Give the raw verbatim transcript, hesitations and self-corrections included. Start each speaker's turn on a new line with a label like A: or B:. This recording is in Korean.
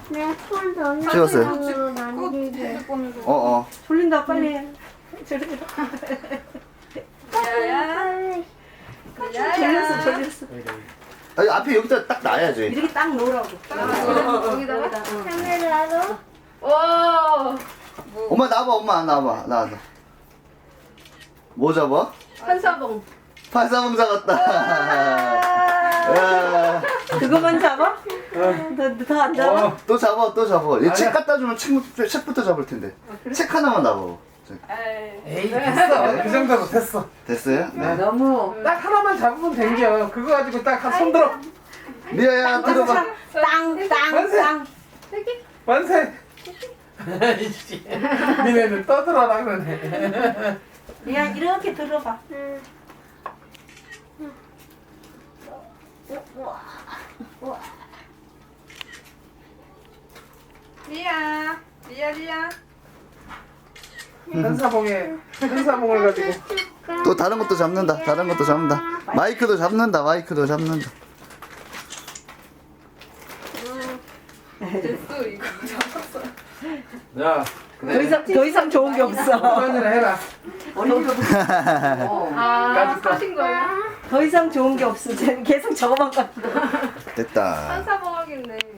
A: 내폰 더
B: 찍었어요?
A: 만들게.
B: 어어.
C: 졸린다 빨리 해. 졸린다.
D: 야야.
C: 졸렸어 졸렸어.
B: 아니, 앞에 여기다 딱 놔야지.
C: 이렇게 딱 놓으라고.
D: 여기다가.
A: 카메라로.
D: 오.
B: 엄마 나와봐, 엄마 나와봐, 나와봐. 뭐 잡아?
D: 한사봉.
B: 팔사봉 잡았다. 야,
C: 그거만 잡아? 더 안 잡아?
E: 어,
B: 또 잡아, 또 잡아. 얘 책
E: 아니야.
B: 갖다 주면 책, 책부터 잡을 텐데. 책 하나만 놔봐.
D: 에이.
E: 에이 됐어. 그 정도로 됐어.
B: 됐어요? 네.
C: 너무.
E: 딱 하나만 잡으면 된겨. 그거 가지고 딱 손 들어.
B: 리아야, 들어봐.
C: 땅땅땅.
E: 만세. 이씨. 니네는 떠들어라 그러네.
C: 그냥 이렇게 들어봐.
A: 응.
D: 리아. 리아 리아.
E: 한사봉에 한사봉을 가지고.
B: 또 다른 것도 잡는다. 다른 것도 잡는다. 마이크도 잡는다. 마이크도 잡는다.
D: 됐어 이거 잡았어.
E: 야.
C: 더 이상 더 이상 좋은 게 없어.
E: 한잔 해라.
D: 아 사신 거예요?
C: 더 이상 좋은 게 없어. 쟤는 계속 저거만 갖고.
B: 됐다.
D: 한사